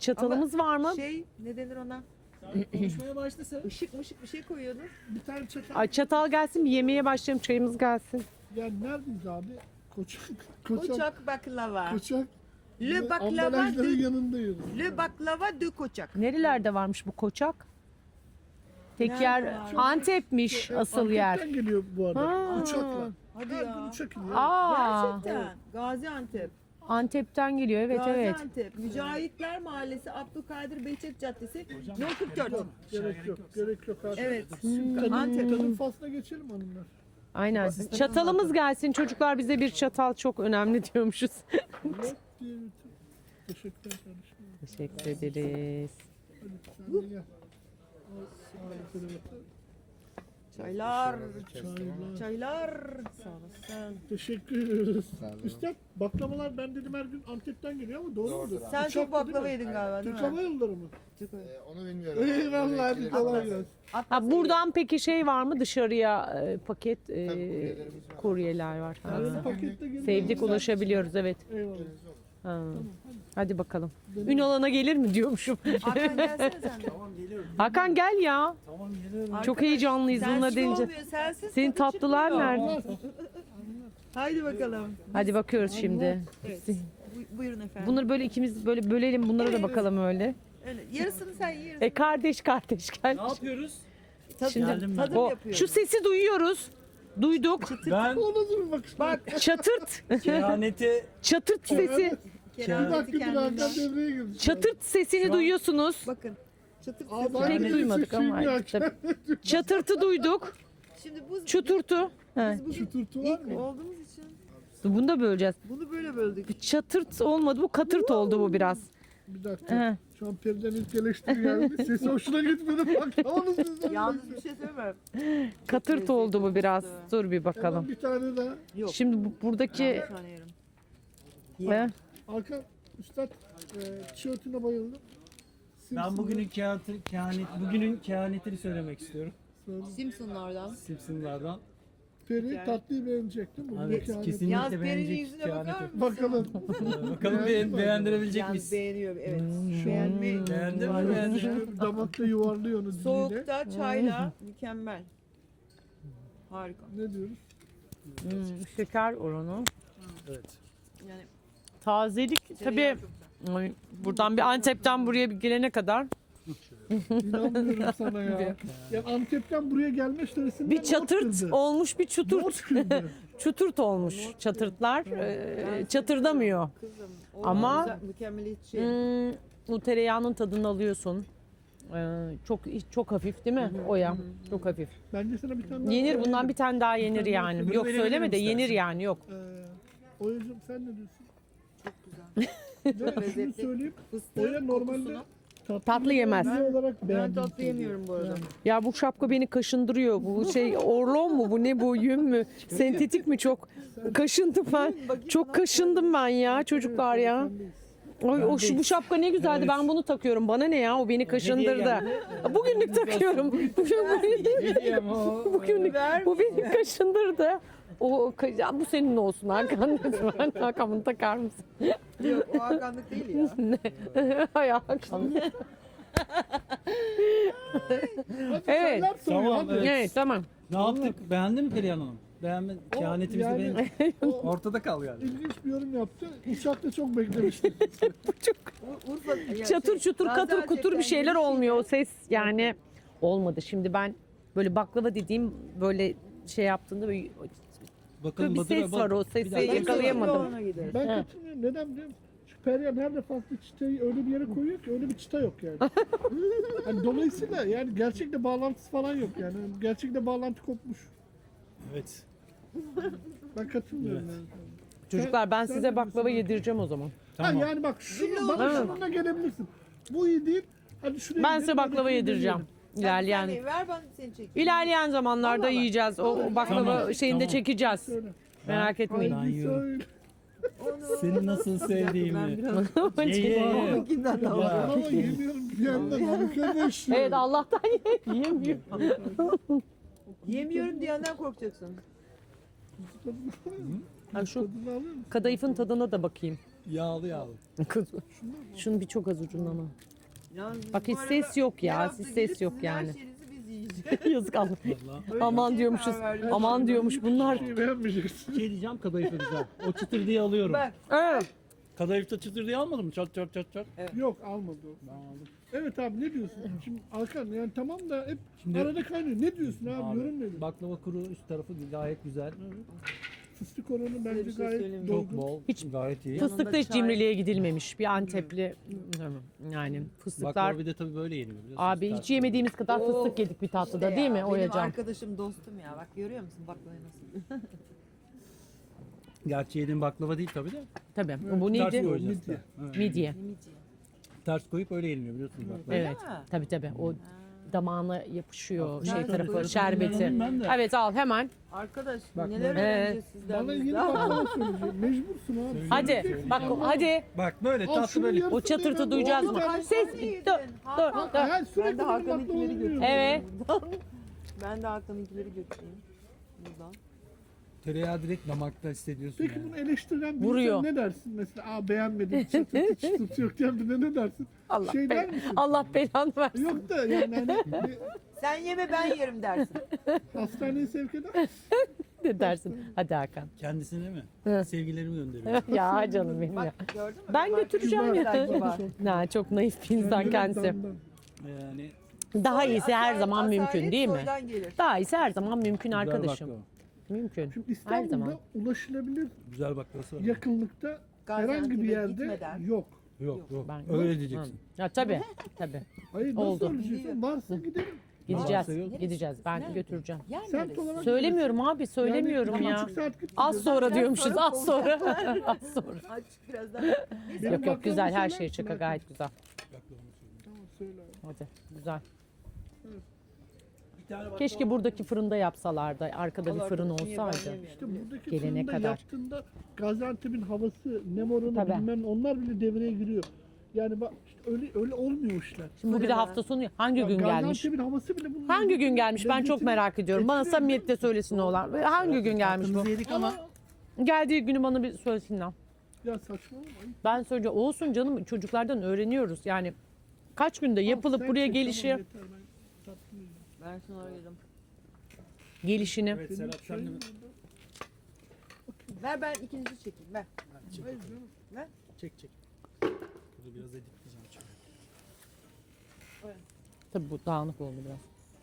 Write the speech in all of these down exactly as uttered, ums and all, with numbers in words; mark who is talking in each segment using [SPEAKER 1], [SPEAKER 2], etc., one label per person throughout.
[SPEAKER 1] çatalımız var mı?
[SPEAKER 2] Şey ne denir ona?
[SPEAKER 3] Konuşmaya başlasa
[SPEAKER 2] Işık mışık bir şey koyuyordun.
[SPEAKER 4] Bir tane çatal.
[SPEAKER 1] Ay çatal gelsin, bir yemeğe başlayalım, çayımız gelsin.
[SPEAKER 4] Yani neredeyiz abi? Koçak. Koçak.
[SPEAKER 2] Koçak baklava.
[SPEAKER 4] Koçak.
[SPEAKER 2] Le
[SPEAKER 4] Ve
[SPEAKER 2] baklava
[SPEAKER 4] ambalajların
[SPEAKER 2] de,
[SPEAKER 4] yanındayız.
[SPEAKER 2] le baklava de koçak.
[SPEAKER 1] Nerelerde varmış bu koçak? Tek
[SPEAKER 2] Nerede
[SPEAKER 1] yer
[SPEAKER 2] var?
[SPEAKER 1] Antep'miş asıl
[SPEAKER 4] Antep'ten
[SPEAKER 1] yer.
[SPEAKER 4] geliyor bu arada.
[SPEAKER 1] Ha.
[SPEAKER 4] Uçakla.
[SPEAKER 2] Hadi
[SPEAKER 4] Her
[SPEAKER 2] ya.
[SPEAKER 4] gün uçak iniyor.
[SPEAKER 1] Aa,
[SPEAKER 2] Gerçekten. Gaziantep.
[SPEAKER 1] Antep'ten geliyor, evet evet.
[SPEAKER 2] Gaziantep. Mücahitler Mahallesi, Abdülkadir Behçet Caddesi, No kırk dört.
[SPEAKER 4] Gerek yok. Gerek yok abi.
[SPEAKER 2] Evet.
[SPEAKER 4] Tadım,
[SPEAKER 2] Antep.
[SPEAKER 4] tadım faslına geçelim hanımlar.
[SPEAKER 1] Aynen. Çatalımız gelsin çocuklar, bize bir çatal çok önemli diyormuşuz.
[SPEAKER 4] Yok diye bütün. Teşekkürler kardeşim.
[SPEAKER 1] Teşekkür ederiz.
[SPEAKER 4] Hadi sen de gel. Al, al, kırmızı.
[SPEAKER 2] Çaylar.
[SPEAKER 4] Çaylar.
[SPEAKER 2] Çaylar. Sağ olasın.
[SPEAKER 4] Teşekkür ederiz. Üstad baklavalar ben dedim her gün Antep'ten geliyor ama doğru mudur?
[SPEAKER 2] Sen
[SPEAKER 4] Uçakla
[SPEAKER 2] çok baklava
[SPEAKER 4] değil mi?
[SPEAKER 2] yedin galiba değil
[SPEAKER 4] Türk
[SPEAKER 2] mi?
[SPEAKER 4] Hava Yolları mı?
[SPEAKER 2] Çok öyle.
[SPEAKER 5] Ee, onu bilmiyorum.
[SPEAKER 4] Eyvallah hadi kolay gelsin.
[SPEAKER 1] Ha, buradan peki şey var mı dışarıya e, paket e,
[SPEAKER 5] kuryelerimiz var.
[SPEAKER 1] kuryeler var. Ha.
[SPEAKER 4] Yarın pakette geliyor.
[SPEAKER 1] Sevdik, ulaşabiliyoruz, evet.
[SPEAKER 4] Eyvallah.
[SPEAKER 1] Ha. Hadi bakalım. Ünalana gelir mi diyormuşum.
[SPEAKER 2] Hakan gelsene sen de.
[SPEAKER 3] tamam geliyorum.
[SPEAKER 1] Hakan gel ya.
[SPEAKER 3] Tamam geliyorum.
[SPEAKER 1] Çok
[SPEAKER 2] Arkadaş,
[SPEAKER 1] heyecanlıyız bununla
[SPEAKER 2] sensiz
[SPEAKER 1] deyince.
[SPEAKER 2] olmuyor, sensiz
[SPEAKER 1] Senin
[SPEAKER 2] tadı
[SPEAKER 1] tatlılar
[SPEAKER 2] çıkmıyor.
[SPEAKER 1] nerede?
[SPEAKER 2] Haydi bakalım.
[SPEAKER 1] Hadi bakıyoruz şimdi.
[SPEAKER 2] Evet. Bu- Buyurun efendim.
[SPEAKER 1] Bunları böyle ikimiz böyle bölelim, bunlara da bakalım öyle.
[SPEAKER 2] Öyle. Yarısını sen ye, yarısını.
[SPEAKER 1] E kardeş kardeş gel.
[SPEAKER 3] Ne yapıyoruz?
[SPEAKER 2] Tadım,
[SPEAKER 1] Şimdi
[SPEAKER 3] Geldim ben.
[SPEAKER 2] tadım
[SPEAKER 1] o
[SPEAKER 2] yapıyorum.
[SPEAKER 1] şu sesi duyuyoruz. Duyduk.
[SPEAKER 3] Ben
[SPEAKER 4] O nasıl bir bakış?
[SPEAKER 2] Bak
[SPEAKER 1] Çatırt.
[SPEAKER 3] kehaneti
[SPEAKER 1] Çatırt sesi.
[SPEAKER 4] Bir
[SPEAKER 2] kerameti
[SPEAKER 4] dakika dur Hakan
[SPEAKER 2] kendinden.
[SPEAKER 4] devreye girdi.
[SPEAKER 1] Çatırt sesini
[SPEAKER 3] Şu an-
[SPEAKER 1] duyuyorsunuz.
[SPEAKER 2] Bakın. Çatırt
[SPEAKER 4] Aa,
[SPEAKER 2] sesi.
[SPEAKER 4] ben
[SPEAKER 1] Pek
[SPEAKER 4] de
[SPEAKER 1] duymadık
[SPEAKER 4] sesiyim
[SPEAKER 1] ama.
[SPEAKER 4] ya.
[SPEAKER 1] Tabii. Çatırtı duyduk.
[SPEAKER 2] Şimdi bu
[SPEAKER 1] Çuturtu. He.
[SPEAKER 2] biz bugün
[SPEAKER 4] Çuturtu var
[SPEAKER 2] ilk
[SPEAKER 4] mı?
[SPEAKER 2] olduğumuz için
[SPEAKER 1] Bunu da böleceğiz.
[SPEAKER 2] bunu böyle böldük.
[SPEAKER 1] Çatırt olmadı, bu katırt oldu bu biraz.
[SPEAKER 4] Bir dakika.
[SPEAKER 1] He.
[SPEAKER 4] Şu an Peri'den ilk eleştiri geldi. Sesi hoşuna gitmedi. Baklavanız sizden.
[SPEAKER 2] Yalnız bir şey söyleyeyim mi?
[SPEAKER 1] Katırt oldu bu biraz. Dur bir bakalım.
[SPEAKER 4] Hemen bir tane daha.
[SPEAKER 2] Yok.
[SPEAKER 1] Şimdi bu- buradaki
[SPEAKER 2] Bir tane yerim.
[SPEAKER 1] He?
[SPEAKER 4] Hakan Üstad e, tişörtüne bayıldım.
[SPEAKER 3] ben bugünün kehaneti, kehanet, bugünün kehanetini söylemek istiyorum.
[SPEAKER 2] Simpsonlardan.
[SPEAKER 3] Simpsonlardan.
[SPEAKER 4] Peri tatlıyı beğenecek değil mi?
[SPEAKER 3] Evet,
[SPEAKER 4] Bugünkü
[SPEAKER 3] kesinlikle
[SPEAKER 2] Yalnız Peri'nin
[SPEAKER 3] beğenecek
[SPEAKER 2] yüzüne bakar
[SPEAKER 3] kehaneti.
[SPEAKER 2] mısın?
[SPEAKER 4] Bakalım.
[SPEAKER 3] Ee, Bakalım be, beğendirebilecek
[SPEAKER 2] Yalnız
[SPEAKER 3] miyiz?
[SPEAKER 2] beğeniyor. Evet. Beğenme.
[SPEAKER 3] Beğendin mi? Beğendin mi?
[SPEAKER 4] Damakta yuvarlıyor onu diliyle.
[SPEAKER 2] Soğukta çayla mükemmel. Harika.
[SPEAKER 4] Ne diyoruz?
[SPEAKER 1] hmm, şeker oranı.
[SPEAKER 3] Evet.
[SPEAKER 2] Yani
[SPEAKER 1] Tazelik tabii.
[SPEAKER 2] tereyağı çok güzel.
[SPEAKER 1] Ay, buradan bir Antep'ten buraya bir gelene kadar
[SPEAKER 4] İnanmıyorum sana ya. Ya Antep'ten buraya gelme süresinden
[SPEAKER 1] bir
[SPEAKER 4] not
[SPEAKER 1] çatırt
[SPEAKER 4] kırdı.
[SPEAKER 1] olmuş, bir
[SPEAKER 4] Not
[SPEAKER 1] çuturt.
[SPEAKER 4] kırdı.
[SPEAKER 1] Çuturt olmuş çatırtlar. Ee, çatırdamıyor.
[SPEAKER 2] Kızım. o
[SPEAKER 1] Ama-
[SPEAKER 2] güzel, mükemmeliyetçi.
[SPEAKER 1] Hmm, bu tereyağının tadını alıyorsun. Ee, çok çok hafif değil mi? O ya. Çok hafif.
[SPEAKER 4] Bence sana bir tane daha
[SPEAKER 1] Yenir, bundan
[SPEAKER 4] söyleyeyim.
[SPEAKER 1] bir tane daha yenir
[SPEAKER 4] tane daha
[SPEAKER 1] yani.
[SPEAKER 3] söyleyeyim.
[SPEAKER 1] Yok
[SPEAKER 3] Bunu
[SPEAKER 1] söyleme de
[SPEAKER 3] verebilirim
[SPEAKER 1] yenir
[SPEAKER 3] istersen.
[SPEAKER 1] yani, yok.
[SPEAKER 4] Ee, Oya'cığım sen ne diyorsun?
[SPEAKER 2] Çok güzel.
[SPEAKER 4] Ya şunu
[SPEAKER 2] lezzetli.
[SPEAKER 4] söyleyeyim.
[SPEAKER 2] Fıstığı
[SPEAKER 4] Oya normalde
[SPEAKER 2] kokusunu.
[SPEAKER 4] tatlı,
[SPEAKER 1] Tatlı yemez.
[SPEAKER 4] Ben, olarak
[SPEAKER 2] Ben
[SPEAKER 4] beğendim
[SPEAKER 2] tatlı
[SPEAKER 4] tabii.
[SPEAKER 2] yemiyorum bu arada.
[SPEAKER 1] Ya bu şapka beni kaşındırıyor. Bu şey orlon mu bu, ne bu, yün mü? Sentetik mi, çok kaşındım ben. Çok kaşındım ben ya çocuklar ya. Oy, o şu bu şapka ne güzeldi.
[SPEAKER 3] Evet.
[SPEAKER 1] Ben bunu takıyorum. Bana ne ya? O beni kaşındırdı.
[SPEAKER 3] geldi.
[SPEAKER 1] Bugünlük takıyorum.
[SPEAKER 3] Hediyem o.
[SPEAKER 1] Bugünlük bu beni kaşındırdı. O ka- ya bu senin olsun Hakan lütfen. Hakan bunu takar mısın?
[SPEAKER 2] Yok o hakanlık değil ya.
[SPEAKER 1] Hay Hakan. Evet.
[SPEAKER 4] Neler soruyor
[SPEAKER 3] Tamam,
[SPEAKER 4] hadi.
[SPEAKER 3] evet.
[SPEAKER 1] Evet tamam.
[SPEAKER 3] Ne yaptık? Beğendin mi Perihan Hanım? Beğenme, kehanetimizi
[SPEAKER 4] yani-
[SPEAKER 3] beğendin.
[SPEAKER 4] O
[SPEAKER 3] Ortada kal yani.
[SPEAKER 4] ilginç bir yorum yaptı. Uçakta çok beklemiştim.
[SPEAKER 2] U- Urfa, ya
[SPEAKER 1] Çatır
[SPEAKER 2] şey,
[SPEAKER 1] çutur katır
[SPEAKER 2] Gaziantep'ten
[SPEAKER 1] kutur bir şeyler
[SPEAKER 2] gelişiyle-
[SPEAKER 1] olmuyor. O ses yani olmadı. Şimdi ben böyle baklava dediğim böyle şey yaptığında böyle
[SPEAKER 3] Bakalım
[SPEAKER 1] bir
[SPEAKER 3] Badır'a
[SPEAKER 1] ses
[SPEAKER 3] bak.
[SPEAKER 1] var, o
[SPEAKER 3] Bir
[SPEAKER 1] sesi
[SPEAKER 3] dakika.
[SPEAKER 1] yakalayamadım.
[SPEAKER 2] Ona gideriz.
[SPEAKER 4] Ben katılmıyorum. Neden biliyor musun? Şu Perihan her defasında çıtayı öyle bir yere koyuyor ki öyle bir çıta yok yani. Yani dolayısıyla yani gerçekle bağlantısı falan yok yani. Gerçekle bağlantı kopmuş.
[SPEAKER 3] Evet.
[SPEAKER 4] Ben katılmıyorum
[SPEAKER 3] Evet.
[SPEAKER 4] yani.
[SPEAKER 1] Çocuklar ben
[SPEAKER 4] Sen-
[SPEAKER 1] size
[SPEAKER 4] sen
[SPEAKER 1] baklava
[SPEAKER 4] de
[SPEAKER 1] yedireceğim o zaman.
[SPEAKER 3] Tamam.
[SPEAKER 4] Ha yani bak şunu, bana
[SPEAKER 1] Ha.
[SPEAKER 4] şununla gelebilirsin. Bu iyi değil. Hadi şuraya
[SPEAKER 1] Ben
[SPEAKER 4] gidelim,
[SPEAKER 1] size
[SPEAKER 4] hadi
[SPEAKER 1] baklava
[SPEAKER 4] şunu
[SPEAKER 1] yedireceğim.
[SPEAKER 4] deneyelim.
[SPEAKER 1] İlerleyen
[SPEAKER 2] Sen ver ben seni çekeyim.
[SPEAKER 1] ilerleyen zamanlarda
[SPEAKER 2] Vallahi.
[SPEAKER 1] yiyeceğiz. O o baklava
[SPEAKER 3] Tamam,
[SPEAKER 1] şeyini de
[SPEAKER 3] tamam.
[SPEAKER 1] çekeceğiz.
[SPEAKER 4] Söyle.
[SPEAKER 1] Merak etmeyin.
[SPEAKER 3] Ben
[SPEAKER 4] Haydi
[SPEAKER 3] yiyorum.
[SPEAKER 4] söyle.
[SPEAKER 2] Onu-
[SPEAKER 3] Seni nasıl
[SPEAKER 2] Ben
[SPEAKER 3] sevdiğimi.
[SPEAKER 2] biraz
[SPEAKER 3] Ye ye ye.
[SPEAKER 2] Bakinden de
[SPEAKER 3] Ya.
[SPEAKER 2] var.
[SPEAKER 4] Ama yemiyorum bir yandan arkadaş.
[SPEAKER 1] Evet Allah'tan yiyemiyor.
[SPEAKER 2] Yemiyorum diyenden korkacaksın.
[SPEAKER 1] Ha, şu
[SPEAKER 4] Tadını alıyor musun?
[SPEAKER 1] kadayıfın tadına da bakayım.
[SPEAKER 3] Yağlı yağlı.
[SPEAKER 1] Kız, şunu bir çok az ucundan al.
[SPEAKER 2] Yalnız biz
[SPEAKER 1] Bak
[SPEAKER 2] bu
[SPEAKER 1] hiç
[SPEAKER 2] arada
[SPEAKER 1] ses yok
[SPEAKER 2] her
[SPEAKER 1] ya.
[SPEAKER 2] hafta
[SPEAKER 1] Hiç
[SPEAKER 2] gelip
[SPEAKER 1] ses yok
[SPEAKER 2] sizin
[SPEAKER 1] yani.
[SPEAKER 2] Her şeyinizi biz yiyeceğiz.
[SPEAKER 1] Yazık Allah.
[SPEAKER 3] Vallahi.
[SPEAKER 1] Aman
[SPEAKER 2] bir
[SPEAKER 1] diyormuşuz.
[SPEAKER 2] karar verdik.
[SPEAKER 1] Aman diyormuş bunlar.
[SPEAKER 4] Şey beğenmeyeceksin.
[SPEAKER 3] Şey diyeceğim, kadayıfı güzel. O çıtır diye alıyorum.
[SPEAKER 2] Bak
[SPEAKER 1] Evet.
[SPEAKER 3] Kadayıfta çıtır diye almadın mı? Çat çat çat çat.
[SPEAKER 4] Yok almadı o.
[SPEAKER 3] Ben aldım.
[SPEAKER 4] Evet abi ne diyorsun? Şimdi Hakan yani tamam da hep
[SPEAKER 3] Şimdi-
[SPEAKER 4] arada kaynıyor. Ne diyorsun abi?
[SPEAKER 3] Abi,
[SPEAKER 4] Yorum nedir?
[SPEAKER 3] baklava kuru üst tarafı gayet güzel.
[SPEAKER 4] Fıstık oranı bence
[SPEAKER 2] bir şey
[SPEAKER 4] gayet
[SPEAKER 2] söyleyeyim mi?
[SPEAKER 3] Çok
[SPEAKER 4] dolgun.
[SPEAKER 3] bol.
[SPEAKER 1] Hiç
[SPEAKER 3] gayet iyi.
[SPEAKER 1] Fıstıkta hiç
[SPEAKER 2] çay.
[SPEAKER 1] cimriliğe gidilmemiş. Bir Antepli yani fıstıklar.
[SPEAKER 3] Baklava bir de tabii böyle yeniyor biliyorsunuz.
[SPEAKER 1] Abi hiç
[SPEAKER 3] Ters
[SPEAKER 1] yemediğimiz kadar
[SPEAKER 2] Oo,
[SPEAKER 1] fıstık yedik bir tatlıda
[SPEAKER 2] işte
[SPEAKER 1] değil mi
[SPEAKER 2] ya,
[SPEAKER 1] Oya
[SPEAKER 2] Benim
[SPEAKER 1] Can?
[SPEAKER 2] arkadaşım dostum ya. Bak görüyor musun baklavayı nasıl?
[SPEAKER 3] Gerçi yediğin baklava değil tabii de.
[SPEAKER 1] Tabii. Bu
[SPEAKER 3] Ters
[SPEAKER 1] neydi?
[SPEAKER 3] koyacağız.
[SPEAKER 4] Midye.
[SPEAKER 3] Evet.
[SPEAKER 1] Midye.
[SPEAKER 3] Ters koyup öyle yeniliyor biliyorsunuz baklava.
[SPEAKER 2] Öyle
[SPEAKER 1] Evet.
[SPEAKER 2] mi?
[SPEAKER 1] Tabii tabii. O damağına yapışıyor şey
[SPEAKER 2] Nerede
[SPEAKER 1] tarafı,
[SPEAKER 2] koyuyorsun?
[SPEAKER 1] şerbeti.
[SPEAKER 3] Ben ben de.
[SPEAKER 1] Evet al hemen.
[SPEAKER 2] Arkadaş
[SPEAKER 3] Bak
[SPEAKER 2] neler
[SPEAKER 3] böyle.
[SPEAKER 2] öğreneceğiz sizden
[SPEAKER 4] Bana
[SPEAKER 2] biz
[SPEAKER 4] yeni
[SPEAKER 2] daha.
[SPEAKER 4] baklava söyleyecek. Mecbursun abi.
[SPEAKER 1] Hadi
[SPEAKER 4] Söyleyeceksin.
[SPEAKER 1] bak hadi.
[SPEAKER 3] Bak böyle
[SPEAKER 4] Al
[SPEAKER 3] tatlı
[SPEAKER 4] şunun
[SPEAKER 3] böyle.
[SPEAKER 4] yarısını
[SPEAKER 1] O çatırtı
[SPEAKER 4] yemem.
[SPEAKER 1] duyacağız
[SPEAKER 4] Oğlum,
[SPEAKER 1] mı?
[SPEAKER 2] Kaç
[SPEAKER 1] Ses
[SPEAKER 2] tane
[SPEAKER 1] dur
[SPEAKER 2] yedin?
[SPEAKER 1] dur
[SPEAKER 2] Hakan.
[SPEAKER 1] dur.
[SPEAKER 4] Ha, sürekli
[SPEAKER 2] Ben de
[SPEAKER 4] benim
[SPEAKER 2] Hakan'ınkileri
[SPEAKER 4] baklavamı
[SPEAKER 2] götüreyim.
[SPEAKER 4] yiyorum.
[SPEAKER 1] Evet.
[SPEAKER 2] Buradan. Ben de Hakan'ınkileri götüreyim. Buradan.
[SPEAKER 3] Tereyağı direkt damakta hissediyorsun
[SPEAKER 4] Peki
[SPEAKER 3] yani.
[SPEAKER 4] bunu eleştiren bir
[SPEAKER 1] Vuruyor.
[SPEAKER 4] insan ne dersin? Mesela aa beğenmedim çıtırtı çıtırtı yok diyen birine ne dersin?
[SPEAKER 1] Allah
[SPEAKER 4] Şey der
[SPEAKER 1] be-
[SPEAKER 4] misin?
[SPEAKER 1] Allah belanı versin.
[SPEAKER 4] Yok da yani hani bir
[SPEAKER 2] Sen yeme ben yerim dersin.
[SPEAKER 4] hastaneye sevk eder.
[SPEAKER 1] Ne dersin? Hadi Hakan.
[SPEAKER 3] Kendisine mi?
[SPEAKER 1] Hı.
[SPEAKER 3] Sevgilerimi gönderiyorum.
[SPEAKER 1] Ya canım benim ya.
[SPEAKER 2] Bak gördün mü?
[SPEAKER 1] Ben
[SPEAKER 2] Bak,
[SPEAKER 1] götüreceğim
[SPEAKER 2] kibar,
[SPEAKER 1] ya.
[SPEAKER 2] kibar.
[SPEAKER 1] Na çok naif bir insan kendisi.
[SPEAKER 4] Damdan.
[SPEAKER 3] Yani
[SPEAKER 1] Daha iyisi her
[SPEAKER 2] Asalet-
[SPEAKER 1] zaman mümkün
[SPEAKER 2] asalet
[SPEAKER 1] değil mi?
[SPEAKER 2] soydan gelir.
[SPEAKER 1] Daha iyisi her zaman mümkün
[SPEAKER 3] güzel
[SPEAKER 1] arkadaşım.
[SPEAKER 3] baklava.
[SPEAKER 1] Mümkün.
[SPEAKER 4] Şimdi
[SPEAKER 1] Her
[SPEAKER 4] İstanbul'da
[SPEAKER 1] zaman.
[SPEAKER 4] ulaşılabilir
[SPEAKER 3] Güzel baklavası var.
[SPEAKER 4] yakınlıkta herhangi bir
[SPEAKER 2] Gaziantep'e
[SPEAKER 4] yerde
[SPEAKER 2] gitmeden.
[SPEAKER 4] yok.
[SPEAKER 3] Yok yok.
[SPEAKER 1] Ben-
[SPEAKER 3] Öyle diyeceksin.
[SPEAKER 1] Ya tabii tabii.
[SPEAKER 4] Hayır nasıl
[SPEAKER 1] Oldu.
[SPEAKER 4] söyleyeceksin? Varsa gidelim.
[SPEAKER 1] Gideceğiz.
[SPEAKER 3] Varsa yok.
[SPEAKER 1] Gideceğiz. Ben götüreceğim.
[SPEAKER 2] Yer
[SPEAKER 4] Semt
[SPEAKER 2] neresi?
[SPEAKER 4] olarak
[SPEAKER 1] Söylemiyorum abi, söylemiyorum
[SPEAKER 4] yani,
[SPEAKER 1] ya.
[SPEAKER 4] buçuk saat git
[SPEAKER 1] Az
[SPEAKER 4] gideceğiz.
[SPEAKER 1] sonra diyormuşuz,
[SPEAKER 2] sonra
[SPEAKER 1] az sonra. az sonra.
[SPEAKER 2] Aç birazdan.
[SPEAKER 4] Benim
[SPEAKER 1] Yok yok güzel, her
[SPEAKER 4] baklavamı
[SPEAKER 1] şey
[SPEAKER 4] söyler
[SPEAKER 1] şaka
[SPEAKER 4] misin?
[SPEAKER 1] gayet güzel.
[SPEAKER 4] Tamam söyle abi.
[SPEAKER 1] Hadi güzel.
[SPEAKER 3] Bir tane baklava.
[SPEAKER 1] Keşke buradaki fırında yapsalardı. Arkada bir
[SPEAKER 2] Allah
[SPEAKER 1] fırın
[SPEAKER 2] korusun, niye ben
[SPEAKER 1] olsaydı.
[SPEAKER 2] yemiyorum?
[SPEAKER 4] İşte buradaki
[SPEAKER 1] Gelene
[SPEAKER 4] fırında
[SPEAKER 1] kadar.
[SPEAKER 4] yaptığında Gaziantep'in havası, nem oranı
[SPEAKER 1] Tabii.
[SPEAKER 4] bilmem onlar bile devreye giriyor. Yani bak işte öyle öyle olmuyor işler.
[SPEAKER 1] Şimdi bu bir de hafta sonu hangi
[SPEAKER 4] Ya
[SPEAKER 1] gün gelmiş?
[SPEAKER 4] Gaziantep'in havası bile bunun
[SPEAKER 1] Hangi gün gelmiş? Ben çok
[SPEAKER 4] lezzetini
[SPEAKER 1] merak ediyorum. Bana
[SPEAKER 4] etkiliyor.
[SPEAKER 1] samimiyetle söylesin oğlan. Hangi gün gelmiş bu?
[SPEAKER 3] Tatlınızı yedik ama
[SPEAKER 1] Geldiği günü bana bir söylesinler.
[SPEAKER 4] Ya saçmalama.
[SPEAKER 1] Ben söyleyeceğim. Olsun canım çocuklardan öğreniyoruz. Yani kaç günde yapılıp
[SPEAKER 4] Sen
[SPEAKER 1] buraya
[SPEAKER 4] çek,
[SPEAKER 1] gelişi,
[SPEAKER 4] tamam, yeter, ben tatlı yiyeceğim.
[SPEAKER 2] Ben şunu arıyorum.
[SPEAKER 1] gelişini.
[SPEAKER 3] evet
[SPEAKER 4] Benim
[SPEAKER 3] Serap sen de
[SPEAKER 4] şeyim
[SPEAKER 3] mi?
[SPEAKER 2] Ver ben ikinizi çekeyim ver.
[SPEAKER 3] Çek,
[SPEAKER 4] Hayır canım.
[SPEAKER 2] Ver.
[SPEAKER 3] çek çek. Burada biraz editleyeceğim çünkü.
[SPEAKER 1] Tabii bu dağınık oldu biraz.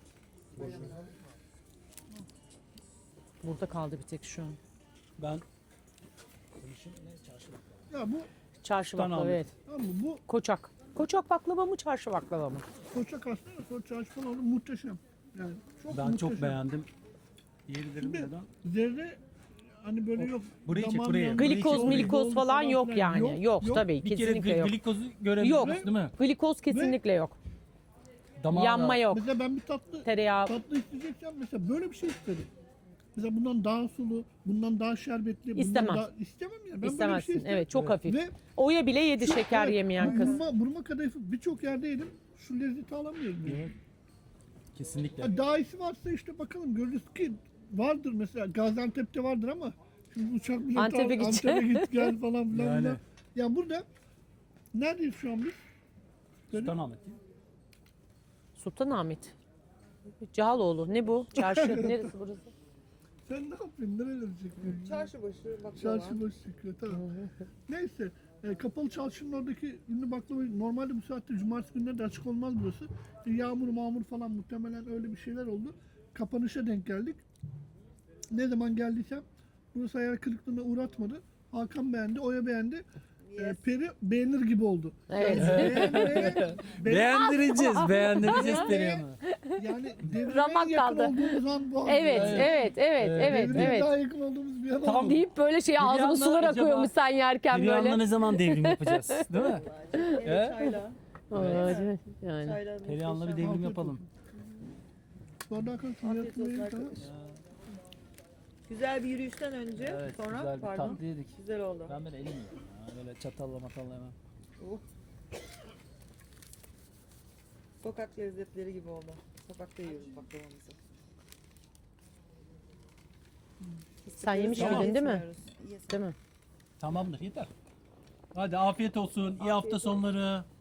[SPEAKER 1] Burada kaldı bir tek şu an.
[SPEAKER 3] Ben konuşayım ne çarşı baklava.
[SPEAKER 4] Ya bu
[SPEAKER 1] Çarşı
[SPEAKER 3] Sultan
[SPEAKER 1] baklava
[SPEAKER 3] Ahmet.
[SPEAKER 1] evet.
[SPEAKER 4] tamam mı? Bu
[SPEAKER 1] Koçak. Koçak baklava mı çarşı baklava mı?
[SPEAKER 4] koçak aslında koç çalışmalı oldu muhteşem. Yani çok
[SPEAKER 3] Ben
[SPEAKER 4] muhteşem.
[SPEAKER 3] çok beğendim. Yiyebilirim
[SPEAKER 4] Şimdi-
[SPEAKER 3] neden?
[SPEAKER 4] Zerre hani böyle yok.
[SPEAKER 3] burayı çek,
[SPEAKER 4] damağın
[SPEAKER 3] burayı.
[SPEAKER 4] yanında
[SPEAKER 3] Burayı
[SPEAKER 1] Glikoz
[SPEAKER 3] çek,
[SPEAKER 1] milikoz
[SPEAKER 4] oldu
[SPEAKER 1] falan yok
[SPEAKER 4] filan.
[SPEAKER 1] yani. Yok, tabii
[SPEAKER 3] Bir kere
[SPEAKER 1] kesinlikle
[SPEAKER 3] gl-
[SPEAKER 1] yok.
[SPEAKER 3] glikozu görebiliyoruz
[SPEAKER 1] Yok.
[SPEAKER 3] değil mi?
[SPEAKER 1] Glikoz kesinlikle yok.
[SPEAKER 3] Damağa
[SPEAKER 1] Yanma yok.
[SPEAKER 4] Mesela ben bir tatlı
[SPEAKER 1] Tereyağı.
[SPEAKER 4] tatlı isteyeceksem mesela böyle bir şey isterim. Mesela bundan daha sulu, bundan daha şerbetli, bundan
[SPEAKER 1] İstemem.
[SPEAKER 4] daha istemem ya. Ben böyle bir
[SPEAKER 1] İstemezsin.
[SPEAKER 4] şey isterim.
[SPEAKER 1] Evet çok
[SPEAKER 3] Evet.
[SPEAKER 1] hafif.
[SPEAKER 4] Ve
[SPEAKER 1] Oya bile yedi şeker
[SPEAKER 4] evet,
[SPEAKER 1] yemeyen kız.
[SPEAKER 4] Burma, burma kadayıfı birçok yerde yedim. Şu lezzeti alamıyorum. Yani.
[SPEAKER 3] Evet. Kesinlikle.
[SPEAKER 4] Ha, daha iyisi varsa işte bakalım görürüz ki vardır mesela Gaziantep'te vardır ama şimdi uçak bileti
[SPEAKER 1] Antep'e
[SPEAKER 4] al,
[SPEAKER 1] gidecek.
[SPEAKER 4] Antep'e git gel falan filan.
[SPEAKER 3] Yani.
[SPEAKER 4] filan. Ya burada neredeyiz şu an biz?
[SPEAKER 3] Sultanahmet değil mi?
[SPEAKER 1] Sultanahmet. Cihaloğlu. Ne bu? Çarşı. Neresi burası?
[SPEAKER 4] Sen ne yapıyorsun? Nerelere çekiyorsun?
[SPEAKER 2] Çarşı başı baklava.
[SPEAKER 4] Çarşı başı çekiyor tamam. Neyse e, kapalı çarşının oradaki ünlü baklava normalde bu saatte cumartesi günleri de açık olmaz burası. E, yağmur mağmur falan muhtemelen öyle bir şeyler oldu. Kapanışa denk geldik. Ne zaman geldiysem burası hayal kırıklığına uğratmadı. Hakan beğendi, Oya beğendi. E,
[SPEAKER 2] Yes.
[SPEAKER 4] Peri beğenir gibi oldu.
[SPEAKER 1] Evet.
[SPEAKER 4] Beğenmeye- beğen-
[SPEAKER 3] Beğendireceğiz, beğendireceğiz Perihan'ı.
[SPEAKER 4] yani devrime
[SPEAKER 1] Ramak
[SPEAKER 4] en yakın
[SPEAKER 1] kaldı.
[SPEAKER 4] olduğumuz an bu an.
[SPEAKER 1] Evet,
[SPEAKER 4] Yani.
[SPEAKER 1] evet, evet, evet,
[SPEAKER 4] Devrime
[SPEAKER 1] evet.
[SPEAKER 4] daha yakın olduğumuz bir an
[SPEAKER 3] Tamam.
[SPEAKER 4] oldu.
[SPEAKER 1] Deyip böyle şey ağzıma
[SPEAKER 3] Perihan'la
[SPEAKER 1] sular
[SPEAKER 3] acaba-
[SPEAKER 1] akıyormuş sen yerken
[SPEAKER 3] Perihan'la
[SPEAKER 1] böyle.
[SPEAKER 3] ne zaman devrim yapacağız, değil mi?
[SPEAKER 2] Evet
[SPEAKER 3] He?
[SPEAKER 2] çayla.
[SPEAKER 1] Evet. Yani.
[SPEAKER 2] Çayla
[SPEAKER 3] Perihan'la bir
[SPEAKER 2] muhteşem.
[SPEAKER 3] devrim yapalım.
[SPEAKER 4] Bu arada Hakan sen
[SPEAKER 2] Afiyet
[SPEAKER 4] yakın
[SPEAKER 2] olsun
[SPEAKER 4] değil, tamam.
[SPEAKER 2] arkadaş. Güzel bir yürüyüşten önce
[SPEAKER 3] Evet,
[SPEAKER 2] sonra
[SPEAKER 3] güzel bir
[SPEAKER 2] pardon.
[SPEAKER 3] tatlı yedik.
[SPEAKER 2] Güzel oldu.
[SPEAKER 3] Ben böyle elim yiyorum ya, böyle çatalla matalla yemem.
[SPEAKER 2] Oh. Sokak lezzetleri gibi oldu. Sokakta yiyoruz baklavamızı.
[SPEAKER 1] Sen yemiş
[SPEAKER 2] Sigara
[SPEAKER 1] miydin değil mi?
[SPEAKER 2] içmiyoruz. Yes.
[SPEAKER 1] Değil mi?
[SPEAKER 3] Tamamdır, yeter. Hadi afiyet olsun. İyi hafta sonları.